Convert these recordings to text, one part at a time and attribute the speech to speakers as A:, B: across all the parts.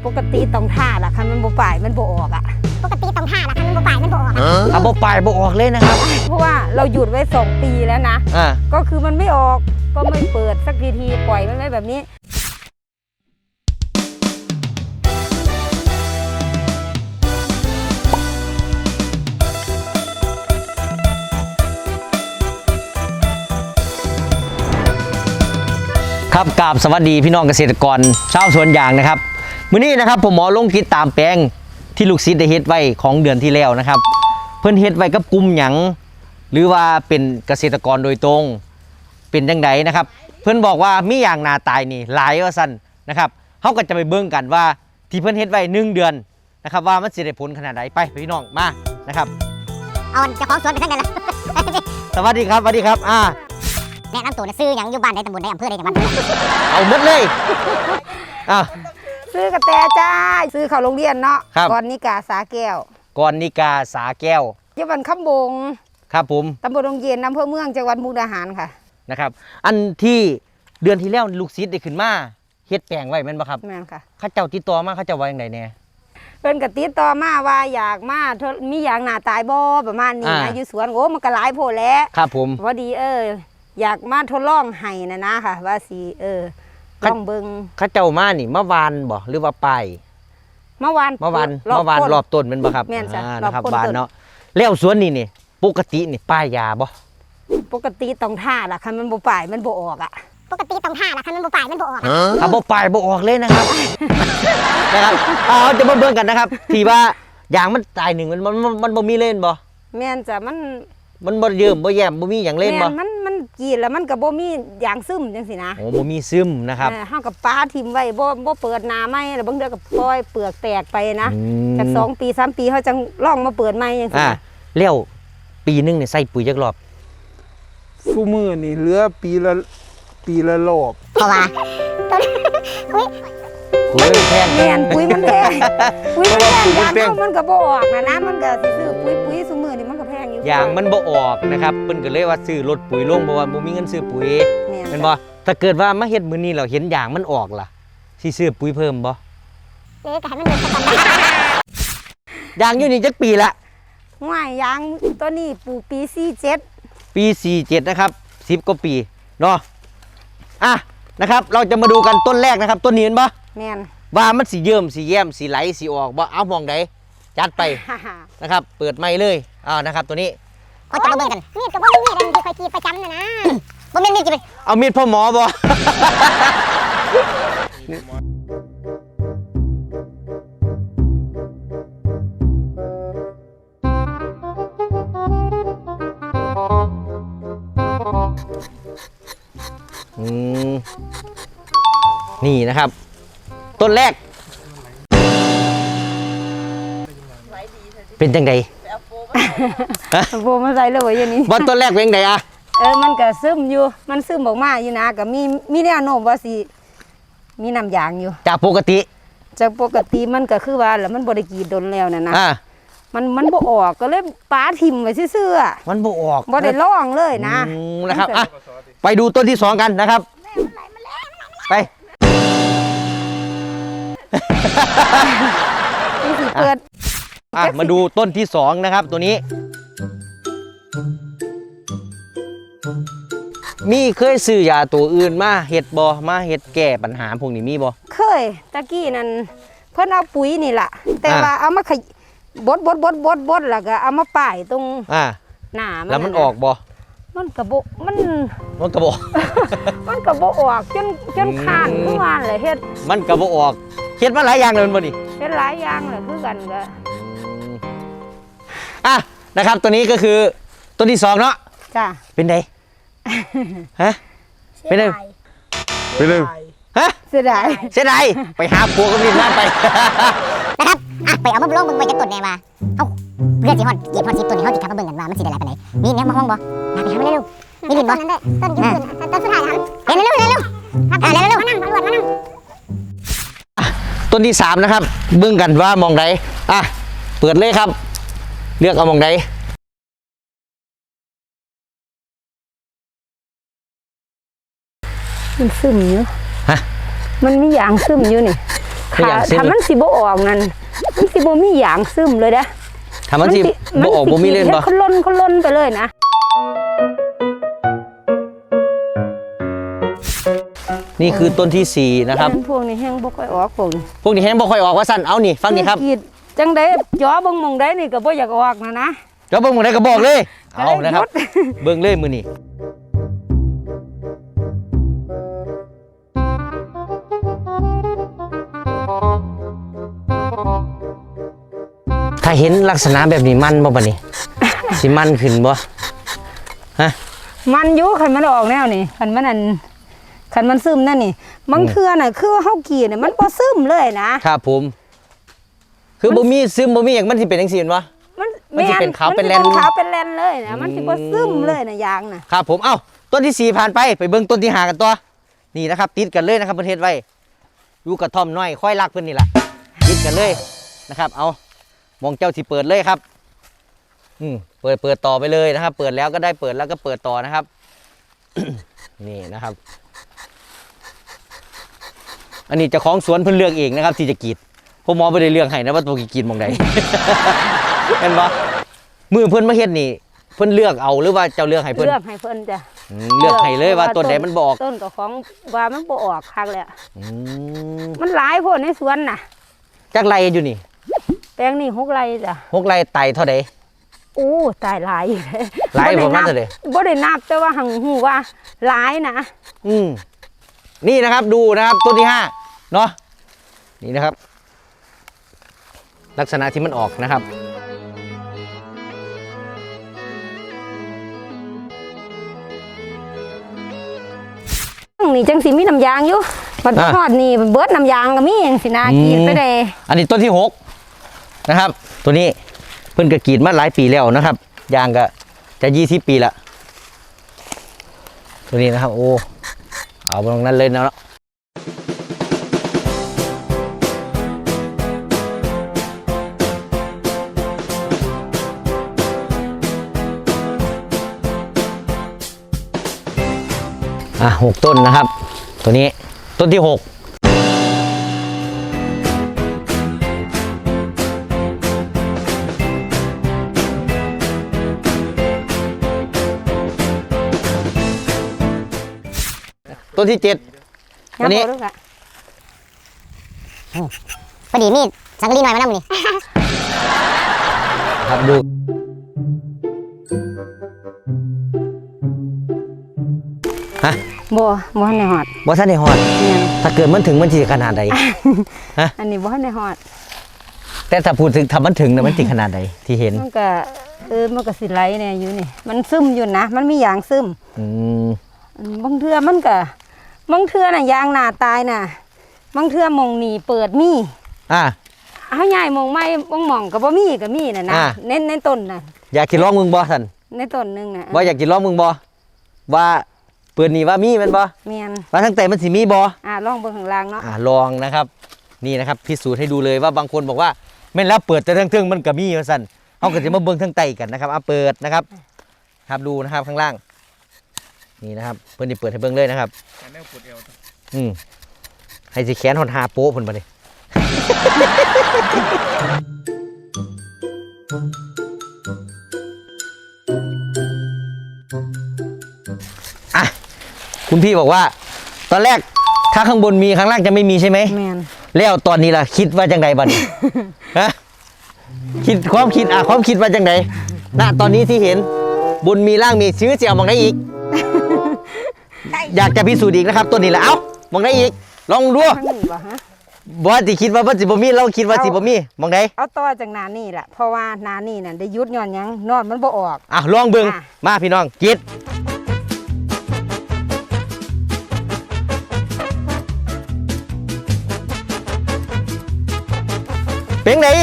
A: ปกติต้องท่าล่ะคันมันบ่ป่ายมันบ่ออกอ่ะ
B: ปกติต้องท่าละคันมันบ่ป่ายมันบ่ออก
C: บ่ป่ายบ่ออกเลยนะครับ
A: เพราะว่าเราหยุดไว้2 ปีแล้วนะก็คือมันไม่ออกก็ไม่เปิดสักทีปล่อยมันไว้แบบนี้
C: ครับกราบสวัสดีพี่น้องเกษตรกรชาวสวนยางนะครับมื้อนี้นะครับผมหมอลงติดตามแปลงที่ลูกศิษย์ได้เฮ็ดไว้ของเดือนที่แล้วนะครับเพิ่นเฮ็ดไว้กับกลุ่มหยังหรือว่าเป็นเกษตรกรโดยตรงเป็นจังไดนะครับเพิ่นบอกว่ามีอย่างนาตายนี่หลายว่าซั่นนะครับเฮาก็จะไปเบิ่งกันว่าที่เพิ่นเฮ็ดไว้1 เดือนนะครับว่ามันสิได้ผลขนาดใดไปพี่น้องมานะครับ
B: เอาเจ้าของสวนไปทั้งนั้นล่ะ
C: สวัสดีครับสวัสดีครับ
B: แนะนำตัวซื้อหยังอยู่บ้านใดตำบลใดอำเภอใดจังหวัด
C: เอาหมดเลย
A: ซื้อกระแตจ้าซื้อเข้าโรงเรียนเนาะก่อนนิกาสาแก้ว
C: ก่อนนิกาสาแก้ว
A: อยู่บ้านคำบง
C: ครับผม
A: ตำบลดงเย็นอำเภอเมืองจังหวัดมุกดาหารค่ะ
C: นะครับอันที่เดือนที่แล้วลูกศิษย์ได้ขึ้นมาเฮ็ดแปลงไว้แม่นบ่ครับ
A: แม่นค่ะ
C: เขาเจ้าติดต่อมาเขาเจ้าว่าจังไดแน่
A: เพิ่นก็ติดต่อมาว่าอยากมามีอย่างหน้าตายบ่ประมาณนี้นะอยู่สวนโอ้มันก็หลายโพดแล้ว
C: ครับผม
A: พอดีอยากมาทดลองให้นะค่ะว่าสิลองเบิ่ง
C: เขาเจ้ามานี่มาวานบ่หรือว่าไป
A: เมื่อวาน
C: รอบต้นแม่นบ่ครับ
A: แม่นจ้ะ
C: นะครับวานเนาะแล้วสวนนี่ปกตินี่ป้ายยาบ่
A: ปกติต้องท่าล่ะคันมันบ่ป่ายมันบ่ออกอ่ะ
B: ปกติต้องท่าละคันมันบ่ป่ายมันบ่ออก
C: บ่ป่ายบ่ออกเลยนะครับนะครับเอาจะมาเบิ่งกันนะครับที่ว่ายางมันตายหนึ่งมันบ่มีเล่นบ่
A: แม่นจ้ะ
C: มันบ่เยิ้มบ่แย้มบ่มีหยังเล่นบ่
A: มันกีดแล้วมันก็บ่มียางซึมจังซี่นะ
C: โอ้บ่มีซึมนะครับ
A: เฮากับป้าทิ่มไว้บ่เปิดหน้าใหม่แล้วบางเดือก็ปล่อยเปลือกแตกไปนะจาก2 ปี3 ปีเฮาจังลองมาเปิดใหม่จังซี่
C: แล้วปีนึงนี่ใส่ปุ๋ยจักรอบ
D: ซุมื้อนี่เหลือปีละรอบ
B: เพราะว่า
C: ปุ๋ยแพง
A: แม่นปุ๋ยมันแพงปุ๋ยมันแพงยางมันก็บ่ออกนะมันก็สิซื้อปุ๋ยซุมื้อนี่มันก็แพงอยู่
C: ยางมันบ่ออกนะครับเพิ่นก็เลยว่าซื้อรถปุ๋ยลงเพราะว่าบ่มีเงินซื้อปุ๋ยแม่นบ่ถ้าเกิดว่ามาเฮ็ดมื้อนี้เราเห็นยางมันออกล่ะสิซื้อปุ๋ยเพิ่มบ่
B: ก็ให้มันเดินไปก่อน
C: ยางอยู่นี่จักปีละ
A: ง่ายยางตัวนี้ปลูกปี47
C: ปี47นะครับ10กว่าปีเนาะนะครับเราจะมาดูกันต้นแรกนะครับต้นนี้เห็นบ่
A: แม่น
C: ว่ามันสิเยิ้มสิแย้มสิไหลสิออกบ่เอามองใดจัดไปนะครับเปิดไม้เลยนะครับตัวนี้
B: เขาจะมาเบิ่งกันมีดก็บ่มีมีดอันที่คอยกีประจำนะบ่มีมีดกี่ไป
C: เอามีดพ่อหมอบ่นี่นะครับต้นแรกเป็นจังได
A: โบมาใส่เลยอย่างนี้
C: ว่าต้นแรกเป็นจังได
A: มันก็ซึมอยู่มันซึมออกมาอยู่นะก็มีแนวโน้มว่าสิมีน้ำยางอยู่
C: จากปกติ
A: มันก็คือว่าแล้วมันบ่ได้กีดดนแล้วนะมันบ่ออกก็เลยป้าทิ่มไว้ซื่อๆ
C: มันบ่ออก
A: บ่ได้ลองเลย
C: นะครับไปดูต้นที่2กันนะครับไป
A: เปิด
C: มาดูต้นที่2นะครับตัวนี้มีเคยซื้อยาตัวอื่นมาเฮ็ดบ่มาเฮ็ดแก้ปัญหาพวกนี้มีบ่
A: เคยตะกี้นั่นเพิ่นเอาปุ๋ยนี่ล่ะแต่ว่าเอามาบดแล้วก็เอามาป้ายตรงหน้ามัน
C: แล้วมันออกบ่
A: มันกระบอกมัน
C: กระบอก
A: มันกระบอกออกจนขาดเมื่อวานเลยเฮ็ด
C: มันกระบอกออกเฮ็ดมาหลายอย่างเลยบ่นี่
A: เฮ็ดหลายอย่างเลยคือกันก็
C: นะครับตัวนี้ก็คือต้นที่2เนาะ
A: จ้ะ
C: เป็นไงเป็นไง
A: เสียดาย
C: ไปหาผัวกับนี่นั่นไป
B: นะครับไปเอามาลงเบิ่งไว้จะต้นแน่ว่าเอาเพื่อนสิฮอดเก็บฮอด10ต้นนี่เฮาสิกลับมาเบิ่งกันว่ามันสิได้หลายปานใดมีแนวมาห้องบ่ไปหามาเร็วๆมีดินบ่ต้นยืนต้นสุดท้ายครับเร็วครับเร็วมานั่งตำรวจมานั่ง
C: ต้นที่3นะครับเบิ่งกันว่ามองใดเปิดเลยครับเลือกเอามองใด
A: มันซึมอยู่มันมีอย่างซึมอยู่นี่
C: คืออย่างซึม
A: ถ้ามันสิบ่ออกนั่นมันสิบ่มีหยางซึมเลยนะ
C: ถ้ามันสิบ่ออกบ่มีเล่นบ่
A: เขาล่นไปเลยนะ
C: นี่คือต้นที่ 4 นะครับ
A: พวกนี้แห้งบ่ค่อยออกพวกนี้
C: พวกนี้แห้งบ่ค่อยออกว่าสั่นเอานี่ฟังนี่ครับ
A: กรีดจังได้ย้อเบิ่งหมองได้นี่ก็บ่อยากออกนะ
C: เดี๋ยวเบิ่งหมดได้ก็บอกเลย
A: ก็
C: เอา
A: เลย
C: นะครับ
A: หยุด
C: เบิ่งเลยมือนี่ถ้าเห็นลักษณะแบบนี้มันบ่ปะนี่ สิมันขึ้นบ่ฮะ
A: มันอยู่คันมันออกแนวนี่คันมันซึมนั่นนี่บางเทื่อน่ะคือว่าเฮากรีดน่ะมันบ่ซึมเลยนะครับ
C: ผม คือบ่มีซึมบ่มีอย่างมันสิเป็นจังซี่บ่ มันสิเป็นขาวเป็นแลน
A: มัสิขาวเป็นแลนเลยนะมันสิบ่ซึมเลยนะยางน่ะ
C: ครับผมเอ้าต้นที่ 4 ผ่านไปเบิ่งต้นที่ 5กันต่อนี่นะครับ ติดกันเลยนะครับประเทศไว้อยู่กระท่อมน้อยค่อยรักเพิ่นนี่ล่ะติดกันเลยนะครับ เอามองเจ้าที่เปิดเลยครับเปิดต่อไปเลยนะครับ เปิดแล้วก็ได้เปิดแล้วก็เปิดต่อนะครับ นี่นะครับ อันนี้เจ้าของสวนเพิ่นเลือกเองนะครับ ที่จะกรีดผมหมอไม่ได้เลือกให้นะว่าตัวกรีดมองใด เห็นปะมือเพิ่นมาเฮ็ดนี่เพิ่นเลือกเอาหรือว่าเจ้าเลือกให้เพิ่น
A: เลือกให้เพิ่นจ้ะ
C: เลือกให้เลยว่าต้นใดมันบ่ออก
A: ต้นก็ของว่ามันบ่ออกคักแล้ว
C: อืม
A: มันหลายโพดในสวนน่ะ
C: จักไรอยู่นี่
A: แปลงนี่6 ไร่จ้ะ
C: 6 ไรไต่เท่าใด
A: อู้ตายหลายอยู่เลย
C: หลายประมาณเท่าใด
A: บ่ได้นับแต่ว่าหังหูว่าหลายนะ
C: นี่นะครับดูนะครับต้นที่5เนาะนี่นะครับ ลักษณะที่มันออกนะครับ
A: นี่จังสิมีน้ำยางอยู่บัดทอดนี่เบิดน้ำยางก็มีจังสินะกรีดไปได้
C: อันนี้ต้นที่6นะครับ ตัวนี้เพิ่นก็กรีดมาหลายปีแล้วนะครับยางก็จะ20 ปีละตัวนี้นะครับ โอ้เอาตรงนั้นเลยนะ6 ต้นนะครับ ตัวนี้ต้นที่ 6ต้นที่ 7ตัวนี้
B: พอดีมีสังกะรีหน่อยมานั่งนี่
C: ครับดูฮะ
A: บ่ทันได้ฮอด
C: บ่ทันได้ฮอด
A: แม่น
C: ถ้าเกิดมันถึงมันสิขนาดใด ฮะ
A: อันนี้บ่ทันได้ฮอด
C: แต่ถ้าพูดถึงถ้ามันถึงนะมันสิขนาดใดที่เห็น
A: มันก็มันก็สิไหลแน่อยู่นี่มันซึมอยู่นะมันมียางซึม บางเทื่อมันก็บางเทื่อน่ะยางหน้าตายน่ะบางเทื่อหมองนี่เปิดมีเฮาย้ายหมองใหม่บางหม่องก็บ่มีก็มีน่ะนะในต้นน่ะ
C: อยากกินลองมึงบ่ท่าน
A: ในต้นนึงน่ะ
C: ว่าอยากกินลองมึงบ่ว่าเปิดนี่ว่ามีแม่นบ่
A: แม่น
C: ว่าทั้งแต่มันสิมีบ่
A: ลองเบิ่งข้างล่างเนาะ
C: ลองนะครับ นี่นะครับพิสูจน์ให้ดูเลยว่าบางคนบอกว่าแม่นแล้วเปิดแต่ทั้งๆมันก็มีว่าซั่นเฮาก็สิมาเบิ่งทั้งใต้กันนะครับเปิดนะครับครับดูนะครับข้างล่างนี่นะครับเพิ่นสิเปิดให้เบิ่งเลยนะครับให้สิแขนหดหาโป๊ะเพิ่นบ่นี่คุณพี่บอกว่าตอนแรกถ้าข้างบนมีข้างล่างจะไม่มีใช่ไหม
A: แม่น
C: แล้วตอนนี้ล่ะคิดว่าจังไดบัดนี้ ฮะความคิดว่าจังไดณตอนนี้ที่เห็นบนมีล่างมีซื้อเสียมองได้อีก อยากจะพิสูจน์อีกนะครับตัวนี้แหละเอ้ามองได้อีกลองดู
A: ข้างนี้บ่ฮะ
C: บ่สิคิดว่าสิบ่มีเราคิดว่าสิบ่มีมองได้
A: เอาต่อจากหน้านี่แหละเพราะว่าหน้านี่น่ะได้หยุดย้อนหยังนอนมันบ่ออก
C: ลองเบิ่งมาพี่น้องกิดเป็นไง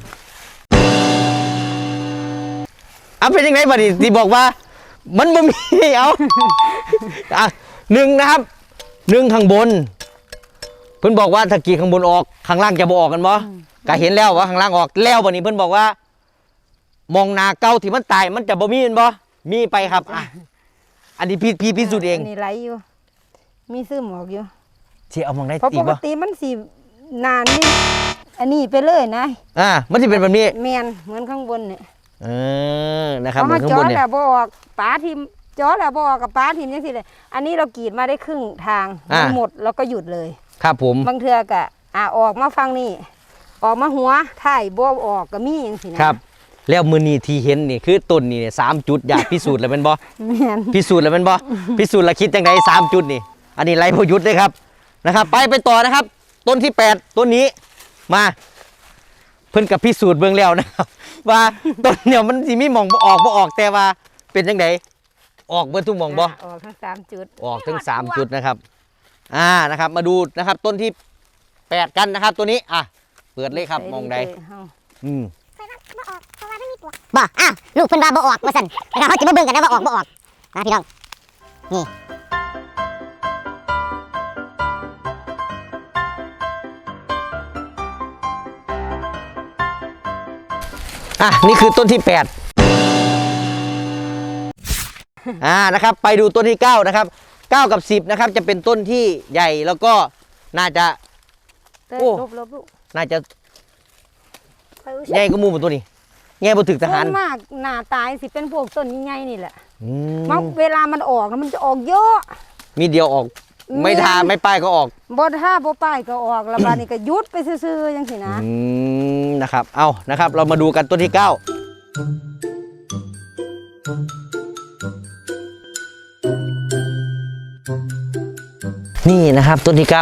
C: เป็นยังไงบัดนี้ที่บอกว่ามันบ่มีเอาหนึ่งนะครับ1ข้างบนเพิ่นบอกว่าถ้ากรีดข้างบนออกข้างล่างจะบ่ออกกันบ่ก็เห็นแล้วว่าข้างล่างออกแล้วบัดนี้เพิ่นบอกว่ามองหน้าเก่าที่มันตายมันจะบ่มีแม่นบ่มีไปครับอันนี้พี่พิสูจน์เอง
A: นี่ไหลอยู่มีซึมออกอยู่
C: สิเอามองได้
A: เพราะ
C: อี
A: ป
C: ก
A: ก
C: บ่
A: ติมันสินานนี่อันนี้ไปเลยนะ
C: มันจะเป็นแบบนี้
A: แมนเหมือนข้างบนเนี่ย
C: นะครับ
A: เพราะ
C: เหมือ
A: ว่าน
C: ข้าง
A: จ
C: บ
A: อน
C: เนี่ย
A: แล้วบออกป้าทิมจอแล้วบออกกับป้าทิมยังสิเลยอันนี้เรากรีดมาได้ครึ่งทางมันหมดแล้วก็หยุดเลย
C: ครับผม
A: บางเทือกะออกมาฟังนี่ออกมาหัวถ่ายบ่ออกก็มีอย่างสินะครับ
C: แล้วมือนี้ที่เห็นนี่คือต้นนี่เนี่ย3 จุดอยากพิสูจน์แล้วเป็นบ่
A: แมน
C: พิสูจน์แล้วเป็นบ่พิสูจน์แล้วคิดจังได3 จุดนี่ อันนี้ไรพยุทธ์เลยครับนะครับ ไปต่อนะครับ ต้นที่ 8 ต้นนี้มาเพิ่นกับพิสูจน์เบื้องแล้วนะครับ ว่าต้นเนี่ยมันสิมีหม่องบ่ออกแต่ว่าเป็นจังไดออกเบิดทุกหม่องบ่
A: ออกทั้ง3 จุด
C: ออกถึง3 จุดนะครับนะครับ มาดูนะครับต้นที่ 8 กันนะครับ ตัวนี้เปิดเลยครับมองใด
B: บ่อ้าวลูกเพิ่นว่าบ่ออกว่าซั่นนะครับเฮาจะมาเบิ่งกันนะว่าออกบ่ออกนะพี่น้องนี่
C: นี่คือต้นที่ 8นะครับ ไปดูต้นที่ 9 นะครับ 9 กับ 10 นะครับ จะเป็นต้นที่ใหญ่แล้วก็น่าจะ โอ้
A: ลบลูก
C: น่าจะใหญ่ก็มูเป็นตัวนี้ใหญ่บ่ถึกทหาร
A: ส่วนมากหน้าตายสิเป็นพวกต้นใหญ่ๆนี่แหละ
C: ม
A: เวลามันออกนะมันจะออกเยอะ
C: มีเดียวออก ไม่ทาไม่ป้ายก็ออก
A: บ่ท่าบ่ป้ายก็ออกแล้วบาดนี้ก็หยุดไปซื่อๆจังซี่นะ
C: นะครับ เอานะครับ เรามาดูกันต้นที่ 9 นี่นะครับต้นที่ 9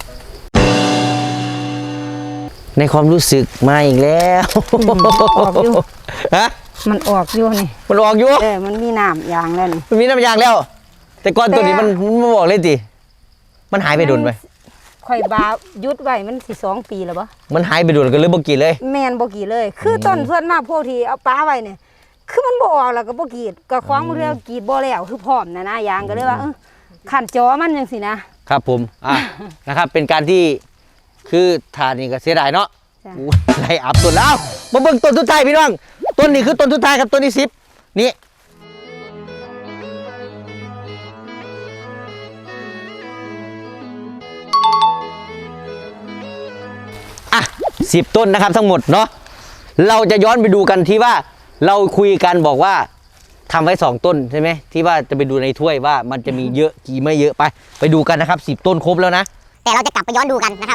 C: ในความรู้สึกมาอีกแล้ว
A: ออกอยู่
C: ฮะ
A: มันออกอยู่นี่
C: มันออกอยู่
A: มันมีน้ำยางแล้วนี่
C: มันมีน้ำยางแล้ว แต่ก่อนตัวนี้มันไม่บอกเลยติมันหายไปโดนไป
A: ข่อยบาหยุดไว้มันสิ2 ปีแล้วบ่
C: มันหายไปโดนกันเลยบ่กี่เลย
A: แม่นบ่กี่เลย คือต้นส่วนมากพวกที่เอาป้าไว้เนี่ยคือมันบ่ออกแล้วก็บ่กรีดก็ของบ่เรียกกรีดบ่แล้วคือพร้อมนะยางก็เลยว่าขันจอมันจังซี่นะครับ
C: ผมนะครับ เป็นการที่คือทานนี่ก็เสียดายเนาะ
A: จ้ะ
C: อู้ไล่อับต้นแล้วมาเบิ่งต้นสุดท้ายพี่น้องต้นนี้คือต้นสุดท้ายครับต้นที่10นี่10 ต้นนะครับทั้งหมดเนาะเราจะย้อนไปดูกันที่ว่าเราคุยกันบอกว่าทำไว้2 ต้นใช่ไหมที่ว่าจะไปดูในถ้วยว่ามันจะมีเยอะกี่ไม่เยอะไปดูกันนะครับ10 ต้นครบแล้วนะ
B: แต่เราจะกลับไปย้อนดูกันนะครับ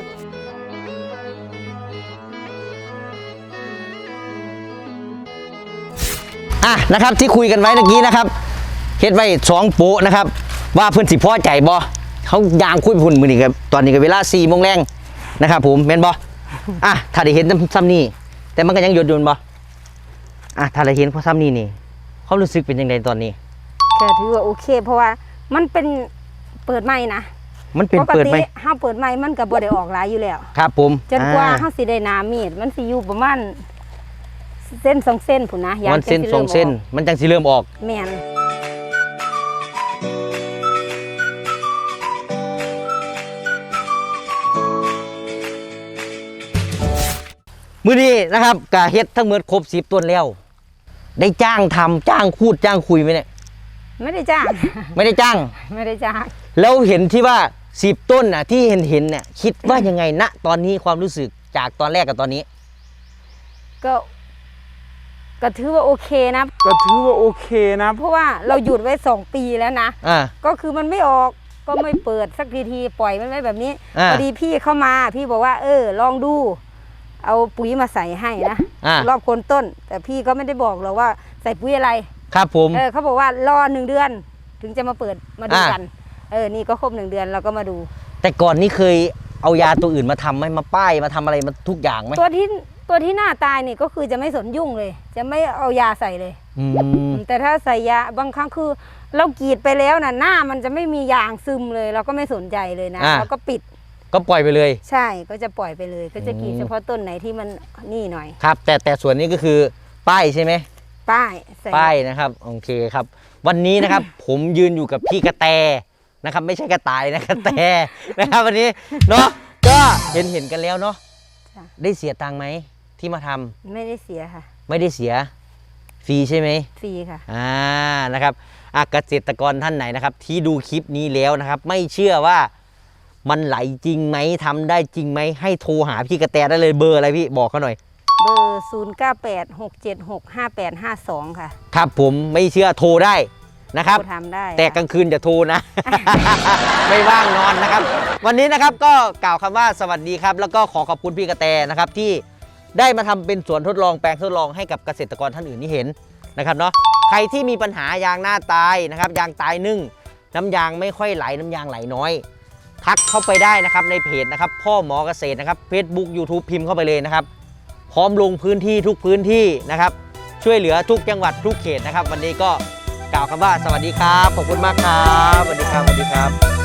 C: นะครับที่คุยกันไว้เมื่อกี้นะครับเฮ็ดไว้2 โป๊ะนะครับว่าเพื่อนสิพอใจบ่เขายางคุยพุ่นมือนี่ครับตอนนี้ก็เวลา4 โมงแรงนะครับผมแม่นบ่ถ้าได้เห็นซ้ำนี่แต่มันก็ยังหยดบ่ถ้าได้เห็นพอซ้ำนี่นี่เขารู้สึกเป็นยังไงตอนนี้
A: ก็ถือว่าโอเค เพราะว่ามันเป็นเปิดใหม่นะ
C: มันเป็น
A: ปก
C: เปิด
A: ติ
C: ไหม
A: เฮาเปิดใหม่มันก็บ่ได้ออกหลายอยู่แล้ว
C: ครับผม
A: จนกว่าเฮาสิได้น้ำมีดมันสิอยู่ประมาณเส้น2 เส้นพุ่นนะยาง
C: มันเส้น
A: จั
C: 2 เส้น
A: ริ่มออก
C: มันจังสิเริ่มออก
A: แม่น
C: มื้อนี้นะครับกะเฮ็ดทั้งหมดครบ10 ต้นแล้ว ได้จ้างทำจ้างคูดจ้างคุยไหมเนี่ย
A: ไม่ได้จ้าง
C: ไม่ได้จ้าง
A: ไม่ได้จ้าง
C: แล้วเห็นที่ว่า10 ต้นน่ะที่เห็นเนี่ยคิดว่ายังไงณตอนนี้ความรู้สึกจากตอนแรกกับตอนนี้
A: ก็ถือว่าโอเคนะ
D: ก็ถือว่าโอเคนะ
A: เพราะว่าเราหยุดไว้2 ปีแล้วนะ
C: อ่า
A: ก็คือมันไม่ออกก็ไม่เปิดสักทีปล่อยมันไว้แบบนี้
C: อ่า
A: พอดีพี่เข้ามาพี่บอกว่าลองดู เอาปุ๋ยมาใส่ให้นะ รอบโคนต้น แต่พี่ก็ไม่ได้บอกหรอกว่าใส่ปุ๋ยอะไร
C: ครับผม
A: เขาบอกว่ารอ1 เดือน ถึงจะมาเปิดมาดูกันนี่ก็ครบ1 เดือนเราก็มาดู
C: แต่ก่อนนี้เคยเอายาตัวอื่นมาทำไหมมาป้ายมาทำอะไรมาทุกอย่างไหม
A: ตัวที่หน้าตายนี่ก็คือจะไม่สนยุ่งเลย จะไม่เอายาใส่เลย แต่ถ้าใส่ยาบางครั้งคือเรากรีดไปแล้วนะหน้ามันจะไม่มียางซึมเลย เราก็ไม่สนใจเลยนะเราก็ปิด
C: ก็ปล่อยไปเลย
A: ใช่ก็จะปล่อยไปเลย ก็จะกรีดเฉพาะต้นไหนที่มันนี่หน่อย
C: ครับ แต่ส่วนนี้ก็คือป้ายใช่ไหม
A: ป้ายใส่
C: ป้ายนะครับโอเคครับ วันนี้นะครับ ผมยืนอยู่กับพี่กระแตนะครับ ไม่ใช่กระต่ายนะกระแตนะครับวันนี้เนาะก็เห็นกันแล้วเนาะได้เสียตังค์ไหมที่มาทำ
A: ไม่ได้เสียค่ะ
C: ไม่ได้เสียฟรีใช่ไหม
A: ฟรีค่ะ
C: นะครับเกษตรกรท่านไหนนะครับ ที่ดูคลิปนี้แล้วนะครับ ไม่เชื่อว่ามันไหลจริงไหมทำได้จริงไหมให้โทรหาพี่กระแตได้เลยเบอร์อะไรพี่บอกเขาหน่อย
A: เบอร์ 0986765852 ค่ะ
C: ครับผมไม่เชื่อโทรได้นะครับ
A: โทรทำได้
C: แต่กลางคืนอย่าโทรนะ ไม่ว่างนอนนะครับ วันนี้นะครับก็กล่าวคำว่าสวัสดีครับ แล้วก็ขอขอบคุณพี่กระแตนะครับที่ได้มาทำเป็นสวนทดลองแปลงทดลองให้กับเกษตรกรท่านอื่นที่เห็นนะครับเนาะใครที่มีปัญหายางหน้าตายนะครับยางตายนึ่งน้ำยางไม่ค่อยไหลน้ำยางไหลน้อยทักเข้าไปได้นะครับในเพจนะครับพ่อหมอเกษตรนะครับ Facebook YouTube พิมพ์เข้าไปเลยนะครับพร้อมลงพื้นที่ทุกพื้นที่นะครับช่วยเหลือทุกจังหวัดทุกเขตนะครับวันนี้ก็กล่าวคำว่าสวัสดีครับขอบคุณมากครับสวัสดีครับสวัสดีครับ